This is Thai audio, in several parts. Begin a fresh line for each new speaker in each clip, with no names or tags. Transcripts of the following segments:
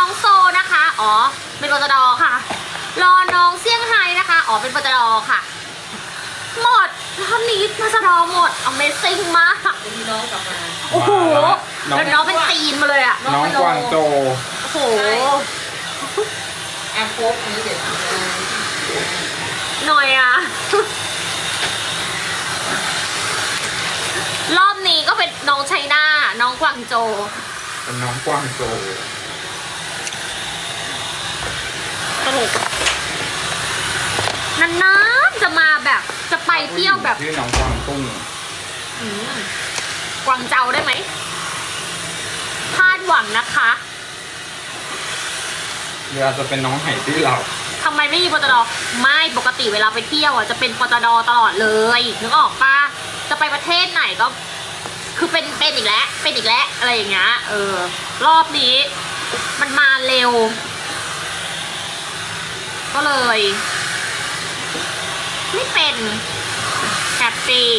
องโซนะคะอ๋อเป็นปตดค่ะรอน้องเซี่ยงไฮ้นะคะอ๋อเป็นปตดค่ะหมดรอบนี้ปตดหมด Amazing มาก
มีน้องกลับมา
โอ้โหแล้วน้องเป็นตีนมาเลยอะ
น้องกวางโจ
โอ้โห
แอปโคบนี้เด็ด
หน่อยอะรอบนี้ก็เป็นน้องไชน่าน้องกวางโจ
เป็นน้องกวางโจ
สนุกนานๆจะมาแบบจะไปเที่ยวแบบ
ชื่อน้องกวางตุ้ง
กวางเจาได้ไหมคาดหวังนะคะ
หรืออาจจะเป็นน้องไหที่เรา
ทำไมไม่มีปตดไม่ปกติเวลาไปเที่ยวอ่ะจะเป็นปตดตลอดเลยนึกออกปะจะไปประเทศไหนก็ คือเป็นอีกแล้วเป็นอีกแล้วอะไรอย่างเงี้ยรอบนี้ มันมาเร็ว ก็เลย ไม่เป็นแฮปปี้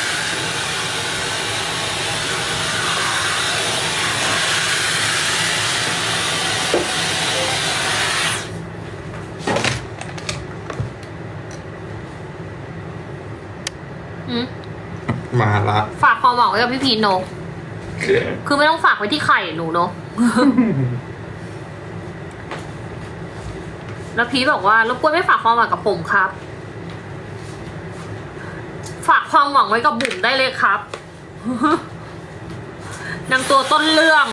มาละ
ฝากความหวังไว้กับพี่พีนโนคือไม่ต้องฝากไว้ที่ไข่หนูเนอะ แล้วพีบอกว่ารบกวนไม่ฝากความหวังกับผมครับ ฝากความหวังไว้กับบุ๋มได้เลยครับ นางตัวต้นเรื่อง